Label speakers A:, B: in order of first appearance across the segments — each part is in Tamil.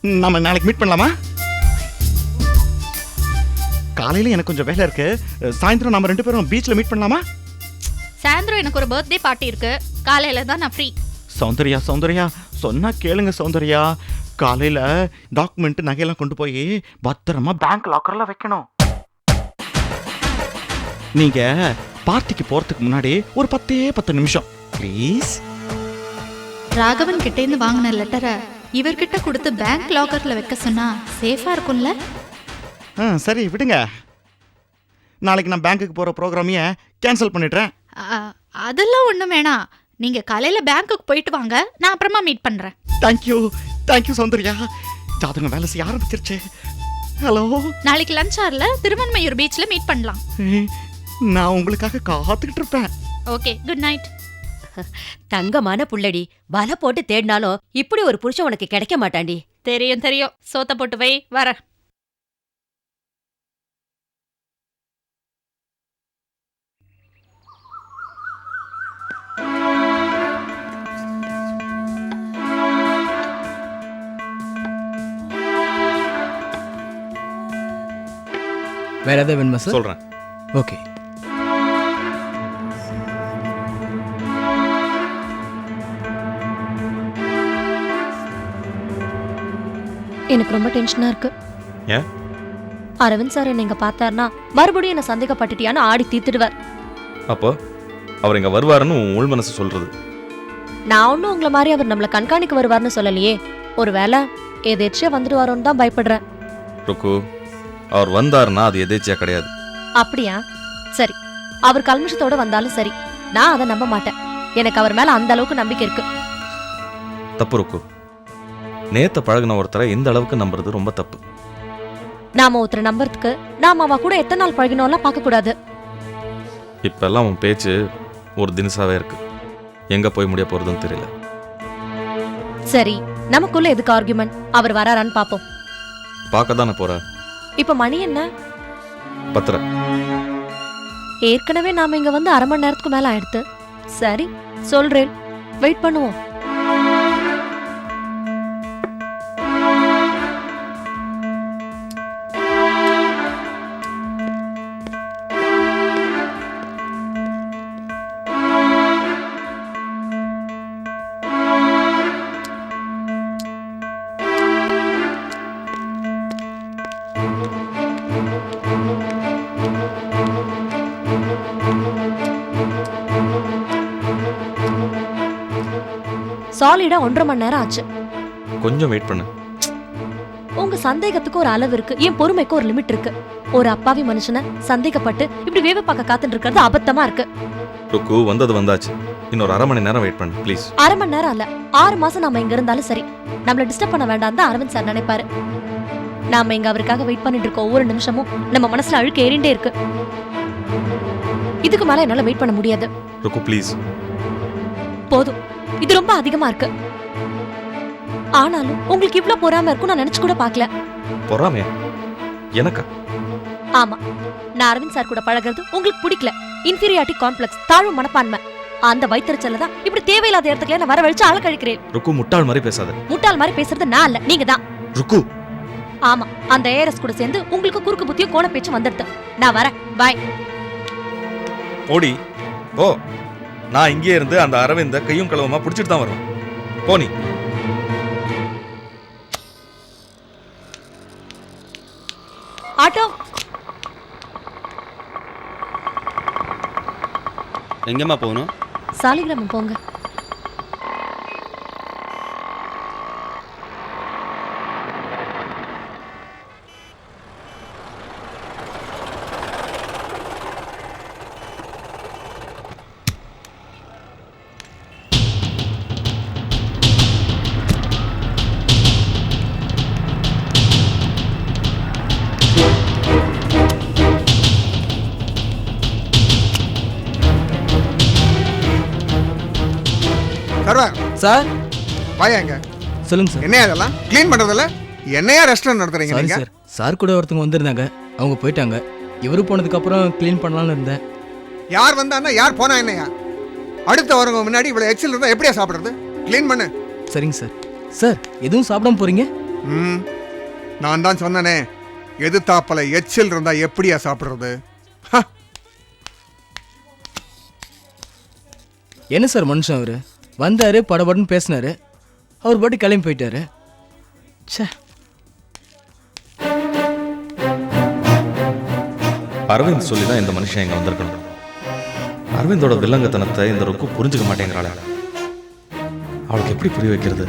A: நம்ம நாளைக்கு மீட் பண்ணலாமா? காலையில எனக்கு கொஞ்சம் வேலை இருக்கு. சாயந்தரம் நம்ம 2 பேரும் பீச்ல மீட் பண்ணலாமா?
B: சாயந்தரம் எனக்கு ஒரு பர்த்டே பார்ட்டி இருக்கு. காலையில தான் நான் ஃப்ரீ.
A: சௌந்தர்யா சௌந்தர்யா சொன்னா கேளுங்க சௌந்தர்யா. காலையில டாக்குமெண்ட் நகையெல்லாம் கொண்டு போய் பத்திரமா பேங்க் லாக்கர்ல வைக்கணும். நீங்க பார்ட்டிக்கு போறதுக்கு முன்னாடி ஒரு 10 நிமிஷம் ப்ளீஸ்.
B: ராகவன் கிட்ட இருந்து வாங்கின லெட்டரை இவர்கிட்ட கொடுத்து பேங்க் லாக்கர்ல வைக்க சொன்னா சேஃபா இருக்கும்ல?
A: சரி விடுங்க. நாளைக்கு நான் பேங்க்குக்கு போற ப்ரோக்ராமையே கேன்சல் பண்ணிடுறேன்.
B: அதெல்லாம் ஒண்ணும் வேணாம். நீங்க காலையில பேங்க்குக்கு போயிட்டு வாங்க, நான் அப்புறமா மீட் பண்றேன்.
A: தேங்க்யூ சௌந்தர்யா. ஜாதகம் வேலை செய்ய ஆரம்பிச்சிருச்சு. ஹலோ,
B: நாளைக்கு லஞ்ச் ஹார்ல திருவன்மையூர் பீச்ல மீட் பண்ணலாம்.
A: நான் உங்களுக்காக காத்துக்கிட்டு இருப்பேன்.
B: Okay, good night.
C: தங்கமான புள்ளடி. வலை போட்டு தேடினாலும் இப்படி ஒரு புருஷன் உனக்கு கிடைக்க மாட்டாண்டி.
B: தெரியும். சோத்த போட்டு வை, வர.
D: வேற ஏதாவது வேணுமா சார்?
A: சொல்றேன்.
D: ஓகே.
E: எனக்கு ரொம்ப டென்ஷனா இருக்கு.
A: ஏன்?
E: அரவிந்த் சார் நீங்க பார்த்தாருன்னா மறுபடியும் என்ன சந்தேகப்பட்டுட்டியான்னு ஆடி தீத்துடுவார்.
F: அப்போ அவர் இங்க வருவாருன்னு உள் மனசு சொல்றது.
E: நான் ஒன்னும் உங்களை மாதிரி அவர் நம்மளை கண்காணிக்க வருவார்னு சொல்லலையே. ஒருவேளை எதேச்சியா வந்துடுவாரோன்னு தான் பயப்படுறேன்.
F: ருக்கு, அவர் வந்தாருன்னா அது எதேச்சியா கிடையாது.
E: அப்படியா? சரி, அவர் கல்மிஷத்தோட வந்தாலும் சரி, நான் அதை நம்ப மாட்டேன். எனக்கு அவர் மேல அந்த அளவுக்கு நம்பிக்கை இருக்கு.
F: தப்பு ருக்கு. நேத்த பழகின ஒருத்தரை இந்த அளவுக்கு நம்புறது ரொம்ப தப்பு.
E: நாம ஒருத்தரை நம்புறதுக்கு நாம அவ கூட எத்தனை நாள் பழகினோம்லாம் பார்க்க கூடாது.
F: இப்பெல்லாம் உன் பேச்சு ஒரு தினசாவே இருக்கு. எங்க போய் முடிய போறதுன்னு தெரியல.
E: சரி, நமக்குள்ள எதுக்கு ஆர்குமெண்ட்? அவர் வராரான்னு பாப்போம்.
F: பார்க்க தானே போற.
E: இப்ப மணி என்ன?
F: 10.
E: ஏற்கனவே நாம இங்க வந்து அரை மணி நேரத்துக்கு மேல ஆயிடுத்து. சரி, சொல்றேன், வெயிட் பண்ணுவோம். சாலிடா 1.5 மணி நேரம் ஆச்சு.
F: கொஞ்சம் வெயிட் பண்ணு.
E: உங்க சந்தேகத்துக்கு ஒரு அளவு இருக்கு, என் பொறுமைக்கு ஒரு லிமிட் இருக்கு. ஒரு அப்பாவி மனுஷனை சந்தேகப்பட்டு இப்படி வேவ பார்க்க காத்துட்டு இருக்கிறது அபத்தமா இருக்கு.
F: ருக்கு, வந்தது வந்தாச்சு. இன்னொரு அரை மணி நேரம் வெயிட் பண்ணு ப்ளீஸ்.
E: அரை மணி நேரம் அல்ல, 6 மாசம் நாம இங்க இருந்தாலும் சரி, நம்மள டிஸ்டர்ப் பண்ண வேண்டாம் தான் அரவிந்த் சார் நினைப்பாரு. நாம இங்க அவருக்காக வெயிட் பண்ணிட்டு இருக்க ஒவ்வொரு நிமிஷமும் நம்ம மனசுல அழுக்கு ஏறிண்டே இருக்கு. இதுக்கு மேல என்னால வெயிட் பண்ண முடியாது.
F: ருக்கு ப்ளீஸ்.
E: போதும், இது ரொம்ப அதிகமா இருக்கு. ஆனாலும் உங்களுக்கு இவ்ளோ பொறாம இருக்கும் நான் நினைச்சு கூட பார்க்கல.
F: பொறாமையா? எனக்கா?
E: ஆமா, நான் அரவிந்த் சார் கூட பழகிறது உங்களுக்கு பிடிக்கல. இன்ஃபீரியாரிட்டி காம்ப்ளெக்ஸ், தாழ்வு மனப்பான்மை. அந்த வைத்தறிச்சல தான் இப்படி தேவையில்லாத இடத்துக்கு நான் வரவழைச்சு ஆள கழிக்கிறேன்.
F: ருக்கு, முட்டாள் மாதிரி பேசாத.
E: முட்டாள் மாதிரி பேசுறது நான் இல்ல, நீங்க தான்.
F: ருக்கு.
E: ஆமா, அந்த ஏஆர்எஸ் கூட சேர்ந்து உங்களுக்கு குறுக்கு புத்தியும் கோண பேச்சு வந்துடுது. நான் வரேன், பாய்.
F: ஓடி ஓ. நான் இங்கே இருந்து அந்த அரவிந்த கையும் களவுமா பிடிச்சிட்டு தான் வருவேன். போனி.
E: ஆட்டோ.
G: எங்கம்மா போகணும்?
E: சாலிகிராமம் போங்க.
H: சர்வர்
D: சார்
H: வாயாங்க.
D: சொல்லுங்க சார்.
H: என்னையா அதெல்லாம் க்ளீன் பண்றதில்ல? என்னையா ரெஸ்டாரண்ட் நடத்துறீங்க
D: சாரி
H: நீங்க?
D: சார், சார் கூட ஒருத்தவங்க வந்திருந்தாங்க, அவங்க போயிட்டாங்க. இவரு போனதுக்கு அப்புறம் க்ளீன் பண்ணலாம்னு இருந்தேன்.
H: யார் வந்தான்னா யார் போனா என்னையா? அடுத்த வரவங்க முன்னாடி இவ்வளவு எக்ஸல் இருந்தா எப்படியா சாப்பிடுறது? க்ளீன் பண்ணு.
D: சரிங்க சார். சார், எதுவும் சாப்பிடாம போறீங்க?
H: ம் நான் தான் சொன்னனே, எதிர்த்தாப்பல எச்சில் இருந்தா எப்படியா சாப்பிடுறது?
D: என்ன சார் மனுஷன் அவர் வந்தார் படபடன்னு பேசினாரு, அவர் பாட்டு கிளம்பி போயிட்டாரு. ச்சே.
F: அரவிந்த் சொல்லி தான் இந்த மனுஷன் இங்க வந்திருக்கணும். அரவிந்தோட வில்லங்கத்தனத்தை இந்த ருக்கு புரிஞ்சுக்க மாட்டேங்கிறாள். அவளுக்கு எப்படி புரிய வைக்கிறது?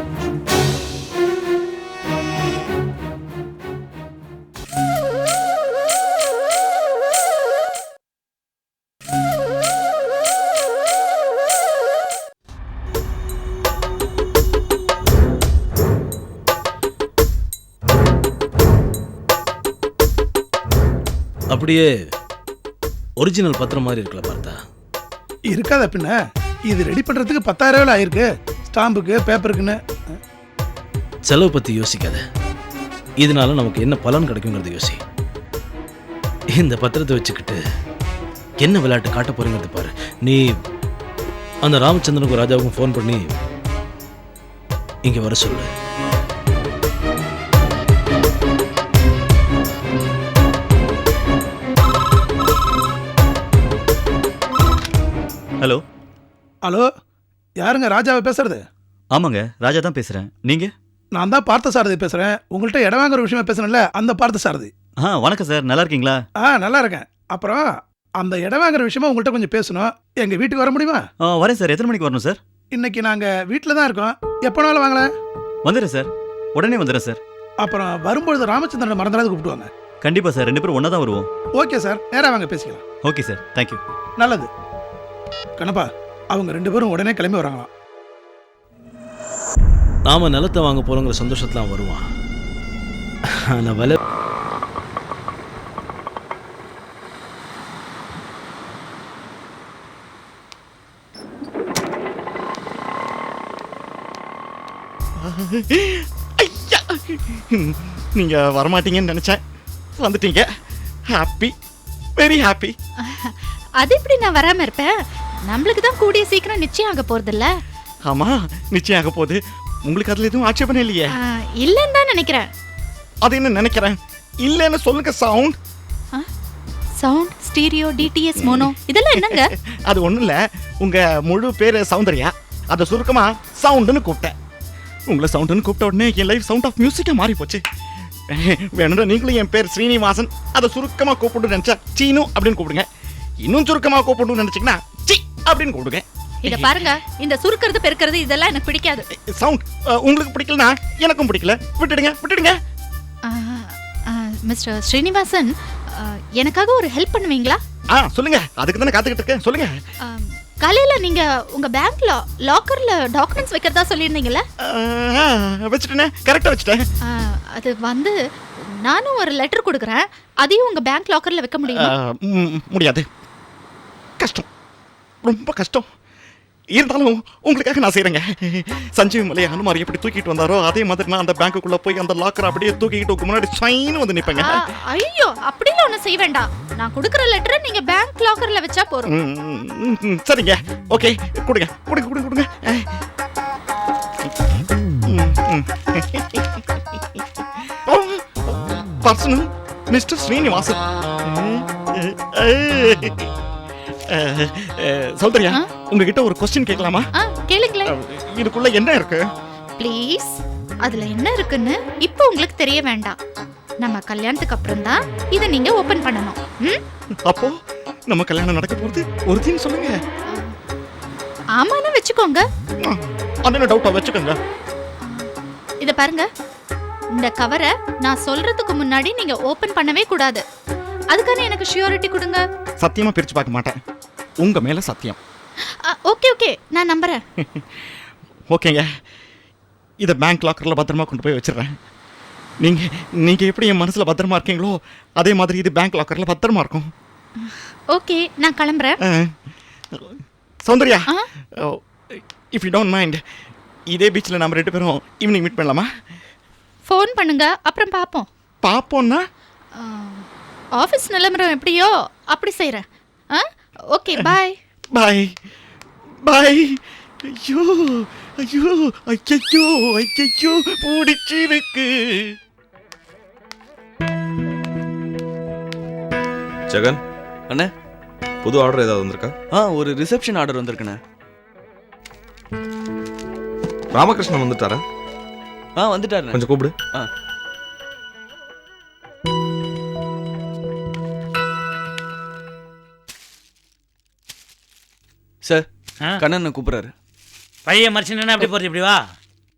G: அப்படியே ஒரிஜினல் பத்திரம் மாதிரி இருக்கல பார்த்தா.
I: இருக்காத பின்ன, இது ரெடி பண்றதுக்கு 10,000 ரூபாய் ஆயிருக்கு, ஸ்டாம்புக்கு பேப்பருக்குன்னு.
G: செலவு பத்தி யோசிக்காத, இதனால நமக்கு என்ன பலன் கிடைக்குங்கிறது யோசி. இந்த பத்திரத்தை வச்சுக்கிட்டு என்ன விளையாட்டு காட்ட போறீங்கிறது பாரு. நீ அந்த ராமச்சந்திரனுக்கும் ராஜாவுக்கும் ஃபோன் பண்ணி இங்க வர சொல்லு.
A: ஹலோ.
I: ஹலோ, யாருங்க ராஜாவை பேசுறது?
A: ஆமாங்க, ராஜா தான் பேசுகிறேன். நீங்கள்?
I: நான் தான் பார்த்த சாரதி பேசுறேன். உங்கள்கிட்ட இடம் வாங்குற விஷயமா பேசுறேன்ல, அந்த பார்த்த சாரதி.
A: வணக்கம் சார், நல்லா இருக்கீங்களா?
I: நல்லா இருக்கேன். அப்புறம் அந்த இடம் வாங்குற விஷயமா உங்கள்கிட்ட கொஞ்சம் பேசணும். எங்க வீட்டுக்கு வர முடியுமா?
A: வரேன் சார். எத்தனை மணிக்கு வரணும் சார்?
I: இன்னைக்கு நாங்க வீட்டில் தான் இருக்கோம். எப்போனாலும் வாங்கலாம்.
A: வந்துடுறேன் சார், உடனே வந்துடுறேன் சார்.
I: அப்புறம் வரும்பொழுது ராமச்சந்திரனை மறந்துடாது கூப்பிட்டுவாங்க.
A: கண்டிப்பாக சார், 2 பேரும் ஒன்றா தான் வருவோம்.
I: ஓகே சார், நேராக வாங்க பேசிக்கலாம்.
A: Okay sir, thank you.
I: நல்லது. கணப்பா, அவங்க 2 பேரும் உடனே கிளம்பி வராங்களாம்.
G: நாம நிலத்தை வாங்க போறோங்கிற சந்தோஷத்துல வருவான். ஆனா விலை
A: ஐயா, நீங்கள் வரமாட்டீங்கன்னு நினச்சேன், வந்துட்டீங்க. Happy, very happy.
B: அது எப்படி நான் வராம இருப்பேன்? நம்மளுக்கு தான் கூடிய சீக்கிரம் நிச்சயம் ஆக போறது இல்ல?
A: ஆமாம், நிச்சயம் ஆக போகுது. உங்களுக்கு அதில் எதுவும் ஆட்சேபனை இல்லையே?
B: இல்லைன்னு தான் நினைக்கிறேன்.
A: அது என்ன நினைக்கிறேன்? இல்லைன்னு சொல்லுங்க. Sound
B: sound, stereo, DTS, mono, இதெல்லாம் என்னங்க?
A: அது ஒன்றும் இல்லை, உங்கள் முழு பேர் சௌந்தர்யா, அதை சுருக்கமாக சவுண்டுன்னு கூப்பிட்டேன். உங்களை சவுண்டுன்னு கூப்பிட்ட உடனே என் லைஃப் சவுண்ட் ஆஃப் மியூசிக்காக மாறி போச்சு. வேணும்னா நீங்களும் என் பேர் ஸ்ரீனிவாசன், அதை சுருக்கமாக கூப்பிட்டு நினச்சா சீனு அப்படின்னு கூப்பிடுங்க. இன்னும் சுருக்கமாக கூப்பிடணும்னு நினச்சிங்கன்னா சி அப்படின்னு கூப்பிடுங்க.
B: இத பாருங்க, இந்த சுருக்கிறது பெருக்கிறது இதெல்லாம் எனக்கு பிடிக்காது.
A: சவுண்ட் உங்களுக்கு பிடிக்கலனா எனக்கும் பிடிக்கல, விட்டுடுங்க விட்டுடுங்க.
B: மிஸ்டர் ஸ்ரீனிவாசன், எனக்காக ஒரு ஹெல்ப் பண்ணுவீங்களா?
A: சொல்லுங்க, அதுக்கு தானே காத்துக்கிட்டு இருக்கேன். சொல்லுங்க.
B: காலையில நீங்க உங்க பேங்க்ல லாக்கர்ல டாக்குமெண்ட்ஸ் வைக்கிறதா சொல்லியிருந்தீங்கல்ல?
A: வச்சுட்டேனே, கரெக்டா வச்சுட்டேன்.
B: அது வந்து நானும் ஒரு லெட்டர் கொடுக்குறேன், அதையும் உங்க பேங்க் லாக்கர்ல வைக்க முடியுமா?
A: முடியாது, கஷ்டம், ரொம்ப கஷ்டம். இருந்தாலும் உங்களுக்காக நான் செய்கிறேங்க. சஞ்சீவி மலை அனுமாரி எப்படி தூக்கிட்டு வந்தாரோ அதே மாதிரி நான் அந்த பேங்க்குள்ளே போய் அந்த லாக்கர் அப்படியே தூக்கிட்டு முன்னாடி சைன் வந்து நிற்பேங்க.
B: ஐயோ, அப்படிலாம் ஒன்றும் செய்ய வேண்டாம். நான் கொடுக்குற லெட்டரை நீங்க பேங்க் லாக்கர்ல வச்சா போறோம்.
A: சரிங்க, ஓகே, கொடுங்க கொடுங்க கொடுங்க கொடுங்க. Personal mister Srinivasan. சௌந்தர்யா, உங்ககிட்ட ஒரு கொஸ்டின் கேட்கலாமா?
B: கேளுங்களேன்.
A: இதுக்குள்ள என்ன இருக்கு?
B: ப்ளீஸ், அதுல என்ன இருக்குன்னு இப்போ உங்களுக்கு தெரிய வேண்டாம். நம்ம கல்யாணத்துக்கு அப்புறம் தான் இதை நீங்க ஓபன் பண்ணணும்.
A: அப்போ நம்ம கல்யாணம் நடக்க போறது ஒரு தின் சொல்லுங்க.
B: ஆமான்னு வச்சுக்கோங்க.
A: அண்ணன டவுட்டா வச்சுக்கோங்க.
B: இத பாருங்க, இந்த கவரை நான் சொல்றதுக்கு முன்னாடி நீங்க ஓபன் பண்ணவே கூடாது. அதுக்கான எனக்கு ஷூரிட்டி கொடுங்க.
A: சத்தியமா பிரிச்சு பார்க்க மாட்டேன், உங்க மேல சத்தியம்.
B: ஓகே ஓகே, நான் நம்புறேன்.
A: ஓகேங்க, இதை பேங்க் லாக்கர்ல பத்திரமா கொண்டு போய் வச்சிடுறேன். நீங்க எப்படி என் மனசுல பத்திரமா இருக்கீங்களோ அதே மாதிரி இது பேங்க் லாக்கர்ல பத்திரமா இருக்கும்.
B: ஓகே, நான் கிளம்புறேன்.
A: Soundarya, if you don't mind, இதே பீச்சில் நம்ம 2 பேரும் ஈவினிங் மீட் பண்ணலாமா?
B: ஃபோன் பண்ணுங்க, அப்புறம் பார்ப்போம்.
A: பார்ப்போம்னா
B: ஆஃபீஸ் நிலமரம் எப்படியோ அப்படி செய்கிறேன். ஓகே, பாய்
A: பாய் பாய் ஐயோ ஐயோ ஐயோ ஐயோ பிடிச்சிருக்கு.
F: ஜெகன்
J: அண்ணே.
F: புது ஆர்டர் ஏதாவது வந்திருக்கா?
J: ஒரு ரிசப்ஷன் ஆர்டர் வந்திருக்குண்ணே.
F: ராமகிருஷ்ணன் வந்துட்டாரா?
J: வந்துட்டாரு.
F: கொஞ்சம் கூப்பிடு.
J: சார், கண்ணன் கூப்பிடுறாரு.
K: பையன் மனுஷன் அப்படி போறது, இப்படி வா.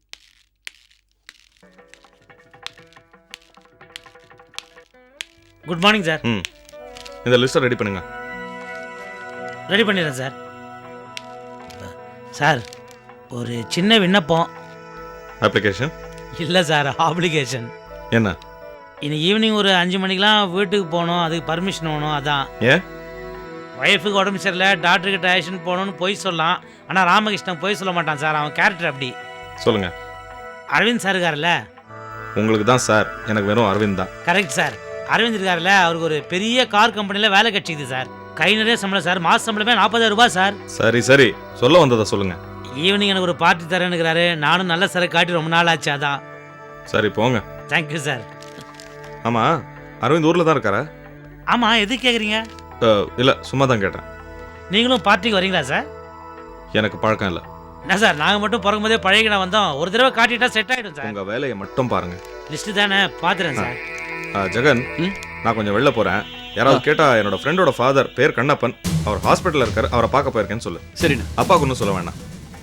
K: Good morning sir.
F: இந்த லிஸ்ட்டை ரெடி பண்ணுங்க.
K: ரெடி பண்ணிடுறேன் சார். சார், ஒரு சின்ன விண்ணப்பம்.
F: அப்ளிகேஷன்
K: இல்லை சார், ஆப்ளிகேஷன்.
F: என்ன?
K: இன்னைக்கு ஈவினிங் ஒரு 5 மணிக்கெலாம் வீட்டுக்கு போகணும், அதுக்கு பர்மிஷன் வேணும். அதான்.
F: ஏன்?
K: ஒய்ஃபுக்கு உடம்பு சரியில்லை, டாக்டர்கிட்ட ஆக்ஷன் போகணுன்னு போய் சொல்லலாம். ஆனால் ராமகிருஷ்ணன் போய் சொல்ல மாட்டான் சார், அவன் கேரக்டர் அப்படி.
F: சொல்லுங்க.
K: அரவிந்த் சார் இருக்கார்ல?
F: உங்களுக்கு தான் சார், எனக்கு வெறும் அரவிந்த் தான்.
K: Correct sir. அரவிந்த் இருக்கார்ல, அவருக்கு ஒரு பெரிய கார் கம்பெனியில் வேலை கிடைச்சிது சார். கை நிறைய சம்பளம் சார், மாத சம்பளமே 40,000 ரூபாய் சார்.
F: சரி சரி, சொல்ல வந்ததை சொல்லுங்க.
K: ஈவினிங் எனக்கு ஒரு பார்ட்டி தரேன்னுக்கிறாரு. நானும் நல்ல சரக்கு காட்டி ரொம்ப நாள் ஆச்சு, அதான்.
F: சரி போங்க.
K: Thank you sir.
F: ஆமாம், அரவிந்த் ஊரில் தான் இருக்காரா?
K: ஆமாம், எது கேட்குறீங்க?
F: இல்லை, சும்மா தான் கேட்டேன்.
K: நீங்களும் பார்ட்டிக்கு வரீங்களா சார்?
F: எனக்கு பழக்கம் இல்லை.
K: என்ன சார், நாங்கள் மட்டும் பிறக்கும் போதே பழகினா வந்தோம். ஒரு தடவை காட்டிட்டா செட் ஆகிடும் சார்.
F: உங்கள் வேலையை மட்டும் பாருங்க.
K: லிஸ்ட்டு தானே, பார்த்துறேன் சார்.
F: ஜெகன், நான் கொஞ்சம் வெளில போகிறேன். யாராவது கேட்டால் என்னோட ஃப்ரெண்டோட ஃபாதர் பேர் கண்ணப்பன், அவர் ஹாஸ்பிட்டலில் இருக்கார், அவரை பார்க்க போயிருக்கேன்னு சொல்லு.
J: சரிண்ணா.
F: அப்பாவுக்கு ஒன்றும் சொல்ல வேண்டாம்.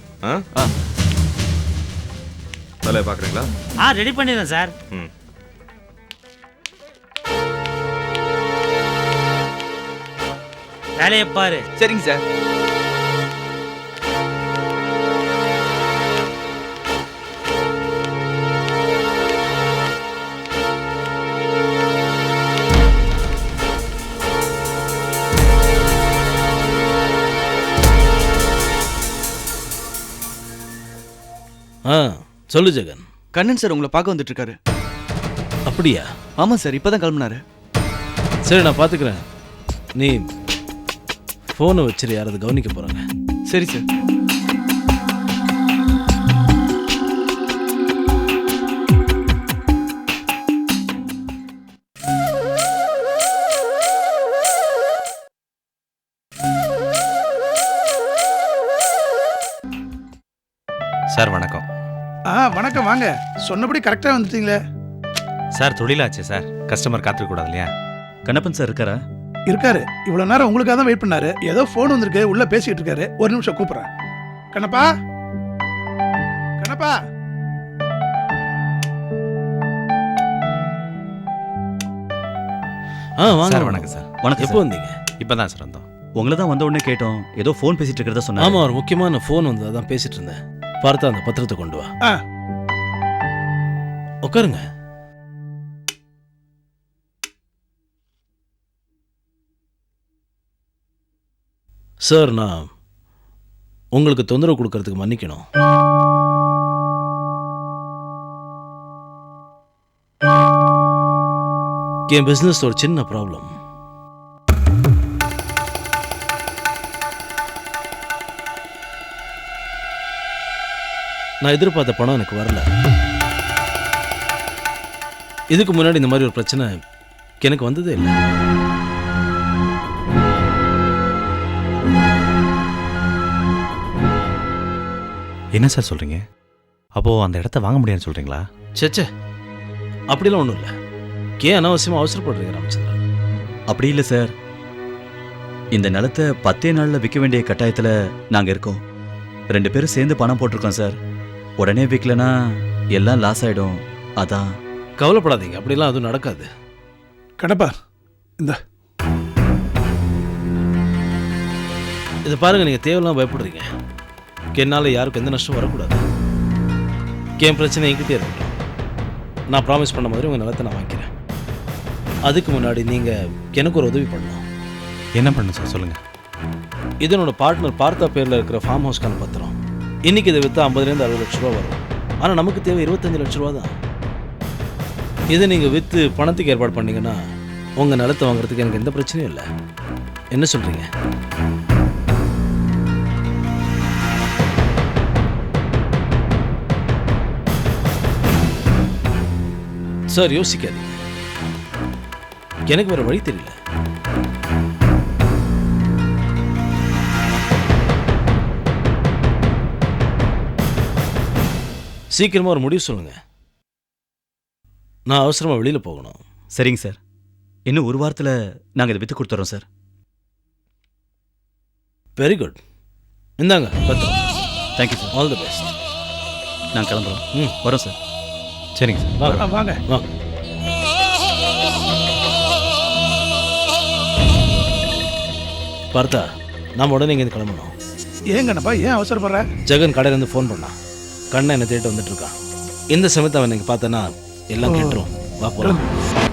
F: வேலையை பார்க்குறீங்களா?
K: ரெடி பண்ணிடுறேன் சார். வேலையை பாரு.
J: சரிங்க சார்.
G: சொல்லு ஜெகன்.
J: கண்ணன் சார் உங்களை பார்க்க வந்துட்டு இருக்காரு.
G: அப்படியா?
J: ஆமாம் சார், இப்போதான் கிளம்புனாரு.
G: சரி, நான் பார்த்துக்கிறேன். நீ ஃபோனை வச்சிரு, யாராவது கவனிக்க போகிறாங்க.
J: சரி சார்.
L: சார் வணக்கம்.
I: வணக்கம், வாங்க. சொன்னபடி கரெக்டாக வந்துட்டீங்களே.
L: சார் தொழிலாச்சு சார், கஸ்டமர் காத்துக்க கூடாது இல்லையா? கண்ணப்பன் சார் இருக்காரா?
I: இருக்காரு. இவ்வளோ நேரம் உங்களுக்காக தான் வெயிட் பண்ணாரு. ஏதோ ஃபோன் வந்திருக்கு, உள்ள பேசிக்கிட்டு இருக்காரு. ஒரு நிமிஷம் கூப்பிட்றேன். கண்ணப்பா, கண்ணப்பா.
G: வாங்க.
L: சார் வணக்கம் சார்.
G: வணக்கம். எப்போ வந்தீங்க?
L: இப்போ தான் சார் வந்தோம். உங்களை தான் வந்த உடனே கேட்டோம், ஏதோ ஃபோன் பேசிட்டு இருக்கிறதா சொன்னாங்க.
G: ஆமாம், ஒரு முக்கியமான ஃபோன் வந்து அதான் பேசிட்டு இருந்தேன். பார்த்தா அந்த பத்திரத்தை கொண்டு வா. உட்காருங்க. சார், நான் உங்களுக்கு தொந்தரவு கொடுக்கறதுக்கு மன்னிக்கணும். என் பிஸ்னஸ் ஒரு சின்ன ப்ராப்ளம். நான் எதிர்பார்த்த பணம் எனக்கு வரல. இதுக்கு முன்னாடி இந்த மாதிரி ஒரு பிரச்சனை எனக்கு வந்ததே இல்லை.
L: என்ன சார் சொல்கிறீங்க? அப்போது அந்த இடத்த வாங்க முடியாதுன்னு சொல்கிறீங்களா?
G: சேச்சே, அப்படிலாம் ஒன்றும் இல்லை. ஏன் அனாவசியமாக அவசரப்படுறீங்க ராமச்சந்திரன்?
L: அப்படி இல்லை சார், இந்த நிலத்தை 10 நாளில் விற்க வேண்டிய கட்டாயத்தில் நாங்கள் இருக்கோம். 2 பேரும் சேர்ந்து பணம் போட்டிருக்கோம் சார். உடனே விற்கலனா எல்லாம் லாஸ் ஆகிடும். அதான்.
G: கவலைப்படாதீங்க, அப்படிலாம் அதுவும் நடக்காது.
I: கண்ணப்பா, இந்த
G: இதை பாருங்கள், நீங்கள் தேவையில்லாம் பயப்படுறீங்க. என்னால் யாருக்கும் எந்த நஷ்டம் வரக்கூடாது. என் பிரச்சனை என்கிட்டே இருக்கட்டும். நான் ப்ராமிஸ் பண்ண மாதிரி உங்கள் நிலத்தை நான் வாங்கிக்கிறேன். அதுக்கு முன்னாடி நீங்கள் எனக்கு ஒரு உதவி பண்ணணும்.
L: என்ன பண்ணணும் சார், சொல்லுங்கள்.
G: இது என்னோட பார்ட்னர் பார்த்தா பேரில் இருக்கிற ஃபார்ம் ஹவுஸ்க்கான பத்திரம். இன்றைக்கி இதை விற்றா 50 to 60 லட்ச ரூபா வரும். ஆனால் நமக்கு தேவை 25 லட்ச ரூபா தான். இதை நீங்கள் விற்று பணத்துக்கு ஏற்பாடு பண்ணிங்கன்னா உங்கள் நிலத்தை வாங்குறதுக்கு எனக்கு எந்த பிரச்சனையும் இல்லை. என்ன சொல்கிறீங்க? சார் யோசிக்காதீங்க, எனக்கு வேற வழி தெரியல. சீக்கிரமா ஒரு முடிவு சொல்லுங்க, நான் அவசரமா வெளியில போகணும்.
L: சரிங்க சார், இன்னும் ஒரு வாரத்தில் நாங்கள் இதை விற்று கொடுத்துட்றோம் சார்.
G: வெரி குட், இந்தாங்க பத்திரம்.
L: Thank you sir.
G: All the best.
L: நாங்கள் கிளம்புறோம். வரோம் சார். சரிங்க சார்.
G: வாங்க
I: வாங்க.
G: வாங்க. பார்த்தா நாம உடனே இங்கேருந்து கிளம்பணும்.
I: ஏன் கண்ணப்பா, ஏன் அவசரப்படுற?
G: ஜெகன் கடையிலேருந்து ஃபோன் பண்ணான். கண்ணை என்னை தேடிட்டு வந்துட்டு இருக்கான். இந்த சமயத்தை அவன் எனக்கு பார்த்தேன்னா எல்லாம் கேட்டுரும். வா போலாம்.